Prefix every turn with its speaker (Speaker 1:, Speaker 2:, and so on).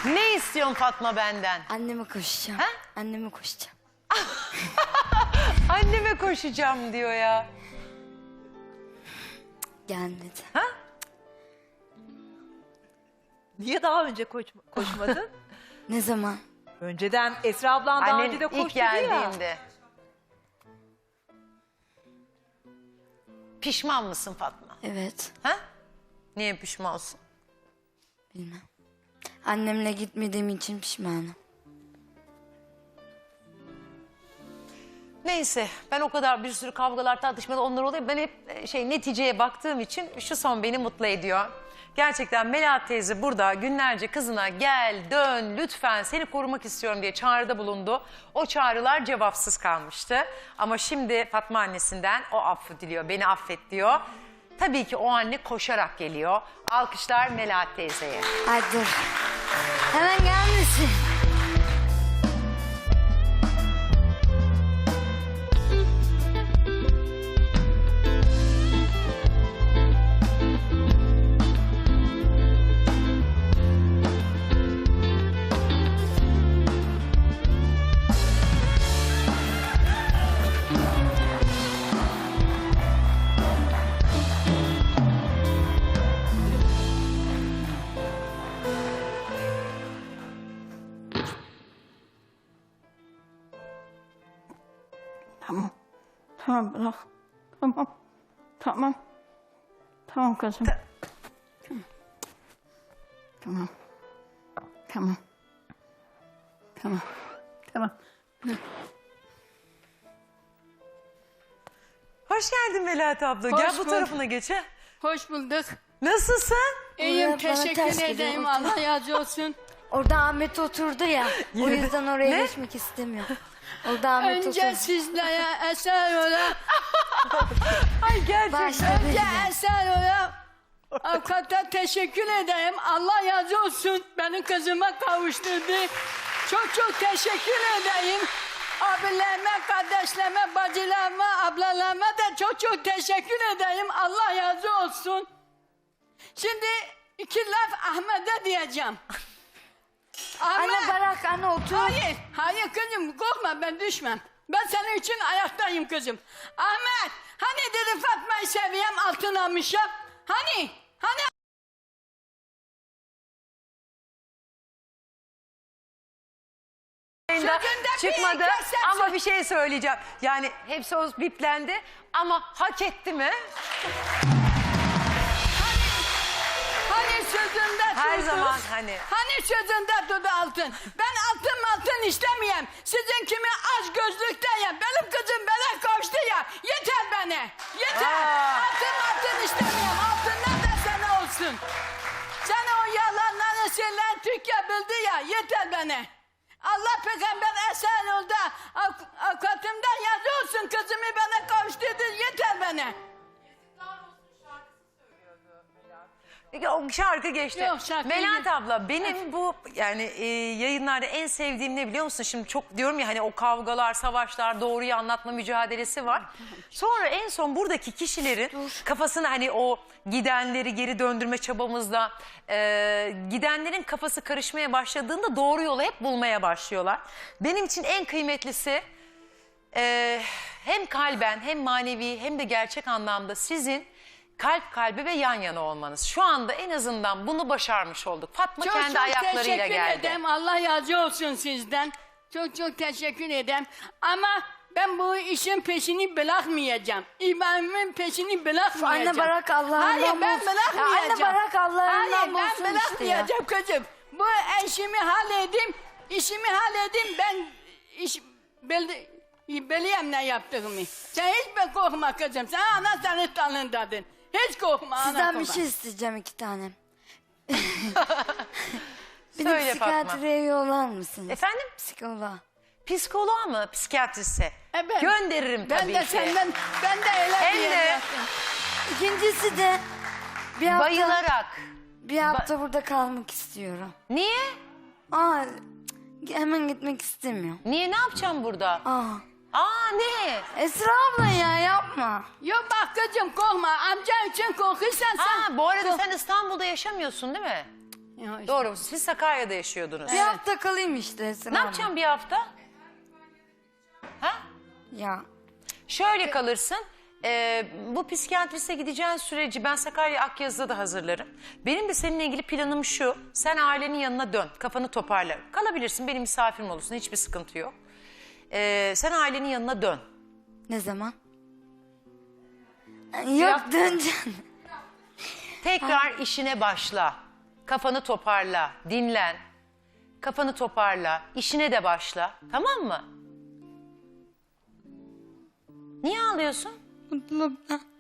Speaker 1: Ne istiyorsun Fatma benden?
Speaker 2: Anneme koşacağım.
Speaker 1: Ha?
Speaker 2: Anneme koşacağım.
Speaker 1: Anneme koşacağım diyor ya.
Speaker 2: Gelmedi.
Speaker 1: Ha?
Speaker 3: Niye daha önce koşmadın?
Speaker 2: Ne zaman?
Speaker 3: Önceden Esra ablan daha
Speaker 1: Annen
Speaker 3: önce de
Speaker 1: ilk
Speaker 3: koştu ya.
Speaker 1: geldiğinde. Pişman mısın Fatma?
Speaker 2: Evet.
Speaker 1: Ha? Niye pişmansın?
Speaker 2: Bilmem. Annemle gitmediğim için pişmanım.
Speaker 1: Neyse ben o kadar bir sürü kavgalar tartışmalar onlar oluyor. Ben hep neticeye baktığım için şu son beni mutlu ediyor. Gerçekten Melahat teyze burada günlerce kızına gel dön lütfen seni korumak istiyorum diye çağrıda bulundu. O çağrılar cevapsız kalmıştı. Ama şimdi Fatma annesinden o affı diliyor, beni affet diyor. Tabii ki o anne koşarak geliyor. Alkışlar Melahat teyzeye.
Speaker 2: Ay dur. Hemen gelmesin.
Speaker 4: Tamam. Tamam bırak. Tamam. Tamam. Tamam kızım. Tamam. Tamam. Tamam. Tamam.
Speaker 1: Hoş geldin Melahat abla.
Speaker 4: Hoş
Speaker 1: Gel bu
Speaker 4: bulduk.
Speaker 1: tarafına geç. Ha.
Speaker 4: Hoş bulduk.
Speaker 1: Nasılsın?
Speaker 4: İyiyim,
Speaker 2: Bana ters
Speaker 4: teşekkür
Speaker 2: geliyor,
Speaker 4: ederim.
Speaker 2: otur.
Speaker 4: Allah razı olsun.
Speaker 2: Orada Ahmet oturdu ya. O yüzden oraya
Speaker 1: Ne?
Speaker 2: geçmek istemiyorum. Orada Ahmet
Speaker 4: Önce
Speaker 2: oturdu.
Speaker 4: sizlere eser ola.
Speaker 1: Ay gerçekten.
Speaker 2: Başta
Speaker 4: Önce
Speaker 2: bizde.
Speaker 4: eser ola. Avukata teşekkür ederim. Allah razı olsun. Benim kızıma kavuşturdu. Çok çok teşekkür ederim. Abilerime, kardeşlerime, bacılarıma, ablalarıma da çok çok teşekkür ederim. Allah razı olsun. Şimdi iki laf Ahmet'e diyeceğim.
Speaker 2: Anne bırak anne otur.
Speaker 4: Hayır, hayır kızım korkma ben düşmem. Ben senin için ayaktayım kızım. Ahmet, hani dedi Fatma'yı seviyem altın almışım. Hani?
Speaker 1: Yayında
Speaker 4: Sözünde
Speaker 1: çıkmadı
Speaker 4: bir kesersin.
Speaker 1: ama bir şey söyleyeceğim. Yani hepsi o biplendi ama hak etti mi?
Speaker 4: Hani sözünde
Speaker 1: Her
Speaker 4: durdu?
Speaker 1: zaman hani.
Speaker 4: Hani sözünde durdu altın? Ben altın istemeyeyim. Sizin kimi aç gözlükteyim. Benim kızım bana koştu ya. Yeter bana. Yeter.
Speaker 1: Aa.
Speaker 4: Altın istemeyeyim. Altın ne desene olsun. Sen o yalanları söyleyen Türkiye bildi ya. Yeter bana. Allah peygamber esen oldu. Avukatımdan yazı olsun. Kızımı bana kavuşturdu. Yeter bana.
Speaker 1: Peki o şarkı geçti.
Speaker 4: Yok, şarkı
Speaker 1: Melahat
Speaker 4: değil.
Speaker 1: abla benim bu yani yayınlarda en sevdiğim ne biliyor musun? Şimdi çok diyorum ya hani o kavgalar, savaşlar, doğruyu anlatma mücadelesi var. Sonra en son buradaki kişilerin kafasını hani o gidenleri geri döndürme çabamızda gidenlerin kafası karışmaya başladığında doğru yolu hep bulmaya başlıyorlar. Benim için en kıymetlisi hem kalben hem manevi hem de gerçek anlamda sizin kalp kalbe ve yan yana olmanız. Şu anda en azından bunu başarmış olduk. Fatma
Speaker 4: Çok
Speaker 1: kendi
Speaker 4: çok
Speaker 1: ayaklarıyla
Speaker 4: teşekkür
Speaker 1: geldi.
Speaker 4: ederim. Allah razı olsun sizden. Çok çok teşekkür ederim. Ama ben bu işin peşini bırakmayacağım. İbrahim'in peşini bırakmayacağım.
Speaker 2: Anne bırak Allah'ından
Speaker 4: Hayır ben
Speaker 2: bulsun.
Speaker 4: bırakmayacağım.
Speaker 2: Ya anne bırak Allah'ından
Speaker 4: Hayır
Speaker 2: bulsun
Speaker 4: ben
Speaker 2: işte ya.
Speaker 4: bırakmayacağım kızım. Bu işimi halledeyim. İşimi halledeyim. Ben bileyim ne yaptığımı. Sen hiç korkma kızım. Sen ana senin tanındadın. Hiç korkma ana
Speaker 2: Sizden
Speaker 4: korkma.
Speaker 2: bir şey isteyeceğim 2 tane. Beni
Speaker 1: Söyle Fatma.
Speaker 2: psikiyatriye yollar mısınız?
Speaker 1: Efendim?
Speaker 2: Psikoloğa.
Speaker 1: Psikoloğa mı? Psikiyatriste?
Speaker 4: Evet.
Speaker 1: Gönderirim
Speaker 4: Ben
Speaker 1: tabii
Speaker 4: de
Speaker 1: ki.
Speaker 4: senden, ben de öyle
Speaker 1: Hem
Speaker 4: diyeyim
Speaker 1: de-
Speaker 4: yaptım.
Speaker 2: İkincisi de
Speaker 1: Bayılarak.
Speaker 2: bir hafta burada kalmak istiyorum.
Speaker 1: Niye?
Speaker 2: Hemen gitmek istemiyorum.
Speaker 1: Niye ne yapacağım burada? Aa ne?
Speaker 2: Esra abla ya yapma.
Speaker 4: Yok bak kızım korkma. Amca için korkuyorsan sen...
Speaker 1: Ha bu arada sen İstanbul'da yaşamıyorsun değil mi?
Speaker 4: Ya işte.
Speaker 1: Doğru. Siz Sakarya'da yaşıyordunuz.
Speaker 2: Bir hafta kalayım işte Esra
Speaker 1: Ne
Speaker 2: abla.
Speaker 1: yapacaksın bir hafta? Ha?
Speaker 2: Ya
Speaker 1: Şöyle kalırsın. Bu psikiyatriste gideceğin süreci ben Sakarya Akyazı'da da hazırlarım. Benim de seninle ilgili planım şu. Sen ailenin yanına dön. Kafanı toparla. Kalabilirsin. Benim misafirim olursun. Hiçbir sıkıntı yok. Sen ailenin yanına dön.
Speaker 2: ne zaman? Yok döneceğim.
Speaker 1: Tekrar işine başla. Kafanı toparla. Dinlen. Kafanı toparla. İşine de başla. Tamam mı? Niye ağlıyorsun?
Speaker 2: Mutluluktan.